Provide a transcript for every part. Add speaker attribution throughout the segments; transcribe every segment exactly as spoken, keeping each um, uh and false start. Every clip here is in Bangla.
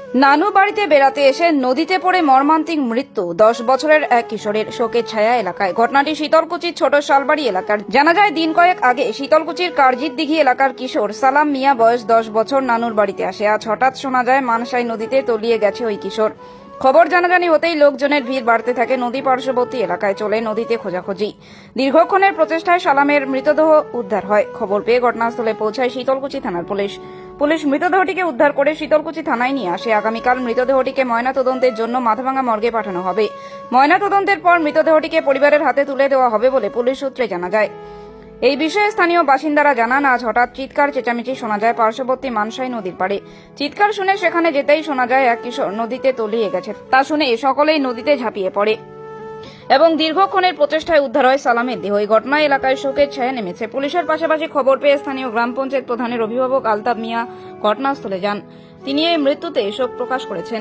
Speaker 1: নানু বাড়িতে বেড়াতে এসে নদীতে পড়ে মর্মান্তিক মৃত্যু দশ বছরের এক কিশোরের। শোকের ছায়া এলাকায়। ঘটনাটি শীতলকুচির ছোট শালবাড়ি এলাকার। জানা যায় দিন কয়েক আগে শীতলকুচির কারজিত দিঘি এলাকার কিশোর সালাম মিয়া বয়স দশ বছর নানুর বাড়িতে আসে। আজ হঠাৎ শোনা যায় মানসাই নদীতে তলিয়ে গেছে ওই কিশোর। খবর জানাজানি হতেই লোকজনের ভিড় বাড়তে থাকে। নদী পার্শ্ববর্তী এলাকায় চলে নদীতে খোঁজাখুঁজি। দীর্ঘক্ষণের প্রচেষ্টায় সালামের মৃতদেহ উদ্ধার হয়। খবর পেয়ে ঘটনাস্থলে পৌঁছায় শীতলকুচি থানার পুলিশ। পুলিশ মৃতদেহটিকে উদ্ধার করে শীতলকুচি থানায় নিয়ে আসে। আগামীকাল মৃতদেহটিকে ময়নাতদন্তের জন্য মাথাভাঙ্গা মর্গে পাঠানো হবে। ময়নাতদন্তের পর মৃতদেহটিকে পরিবারের হাতে তুলে দেওয়া হবে বলে পুলিশ সূত্রে জানা যায়। এই বিষয়ে স্থানীয় বাসিন্দারা জানান, আজ হঠাৎ চিৎকার চেঁচামেচি শোনা যায় পার্শ্ববর্তী মানসাই নদীর পাড়ে। চিৎকার শুনে সেখানে যেতেই শোনা যায় এক কিশোর নদীতে তলিয়ে গেছে। তা শুনে সকলেই নদীতে ঝাঁপিয়ে পড়ে এবং দীর্ঘক্ষণের প্রচেষ্টায় উদ্ধার হয় সালামের দেহ। এই ঘটনায় এলাকায় শোকের ছায়া নেমেছে। পুলিশের পাশাপাশি খবর পেয়ে স্থানীয় গ্রাম পঞ্চায়েত প্রধানের অভিভাবক আলতাফ মিয়া ঘটনাস্থলে যান। তিনি এই মৃত্যুতে শোক প্রকাশ করেছেন।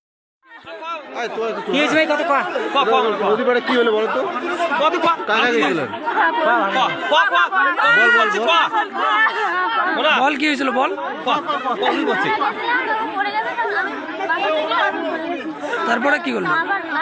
Speaker 2: কি হলো বলো তো?
Speaker 3: বল কি হয়েছিল বল। তারপরে কি করলো?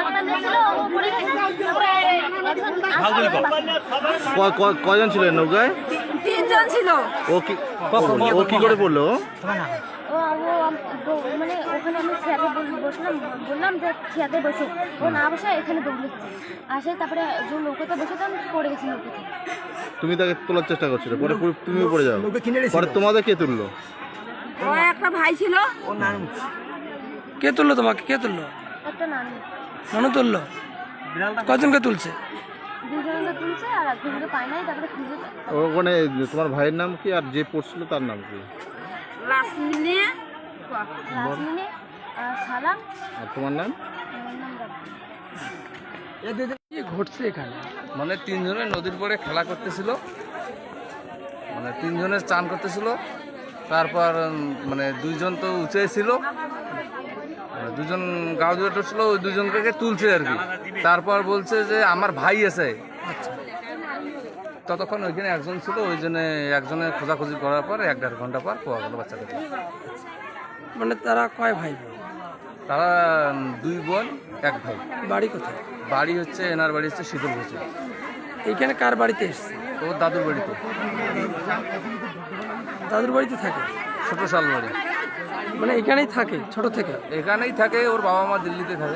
Speaker 2: কয়জন ছিলেন নৌকায়?
Speaker 4: তিনজন ছিল।
Speaker 2: ও কি ও কি করে পড়লো?
Speaker 4: ও ও মানে ওখানে আমি চেয়ারে বসলাম, বললাম যে চেয়ারে বসে, ও না বসে এখানে দৌড়েছে আসে, তারপরে যে নৌকাতে বসে তখন পড়ে গেছে নৌকাতে।
Speaker 2: তুমি তাকে তোলার চেষ্টা করছিলে, পরে তুমিও পড়ে যাও। পরে তোমাদের কে তুললো?
Speaker 4: ও একটা ভাই ছিল।
Speaker 3: ও নানু। কে তুললো তোমাকে? কে তুললো?
Speaker 4: একটা নানু।
Speaker 3: নানু তুললো। কজনকে তুলছে?
Speaker 4: দুজনকে তুলছে আর একজনকে পায় নাই, তারপরে খুঁজে।
Speaker 2: ওখানে তোমার ভাইয়ের নাম কি আর যে পড়ছিল তার নাম কি?
Speaker 4: লাসমিনে লাসমিনে আর সালাম।
Speaker 2: আর তোমার নাম?
Speaker 4: আমার নাম রাব্বি।
Speaker 3: কি ঘটছে এখানে?
Speaker 5: মানে তিনজনে নদীর পরে খেলা করতেছিল, মানে তিনজনের চান করতেছিল। তারপর মানে দুইজন তো উঁচে ছিল, মানে দুজন গাও দুটো ছিল, ওই দুজনকে তুলছে আর কি। তারপর বলছে যে আমার ভাই আছে।
Speaker 3: আচ্ছা,
Speaker 5: ততক্ষণ ওইখানে একজন ছিল, ওই জন্য একজনে খোঁজাখুঁজি করার পর এক দেড় ঘন্টা পর পাওয়া গেল বাচ্চাটাকে।
Speaker 3: মানে তারা কয় ভাই বোন?
Speaker 5: তারা দুই বোন এক ভাই।
Speaker 3: বাড়ি কোথায়?
Speaker 5: বাড়ি হচ্ছে এনার বাড়ি হচ্ছে শীতলকুচি।
Speaker 3: এইখানে কার বাড়িতে এসছে?
Speaker 5: ওর দাদুর বাড়িতে,
Speaker 3: দাদুর বাড়িতে থাকে?
Speaker 5: ছোট শাল বাড়ি।
Speaker 3: মানে এখানেই থাকে ছোট থেকে?
Speaker 5: এখানেই থাকে, ওর বাবা মা দিল্লিতে থাকে।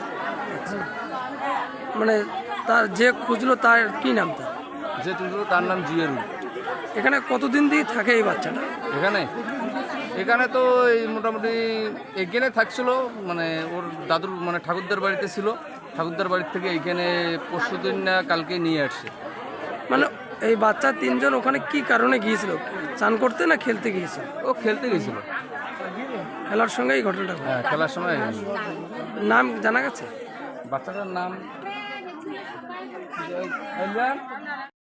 Speaker 3: মানে তার যে খুঁজলো তার কি নাম? তার
Speaker 5: যে তুলছিল তার নাম জিয়ারু।
Speaker 3: এখানে কতদিন দিয়ে থাকে এই বাচ্চাটা?
Speaker 5: এখানে এখানে তো এই মোটামুটি এখানে থাকছিল, মানে ওর দাদুর মানে ঠাকুরদার বাড়িতে ছিল। ঠাকুরদার বাড়ির থেকে এইখানে পরশু দিন না কালকে নিয়ে আসছে।
Speaker 3: মানে এই বাচ্চা তিনজন ওখানে কি কারণে গিয়েছিল? চান করতে না খেলতে গিয়েছিল?
Speaker 5: ও খেলতে গেছিল।
Speaker 3: খেলার সঙ্গে এই ঘটনাটা ঘটে।
Speaker 5: হ্যাঁ, খেলার সময়।
Speaker 3: নাম জানা গেছে?
Speaker 5: বাচ্চাটার নাম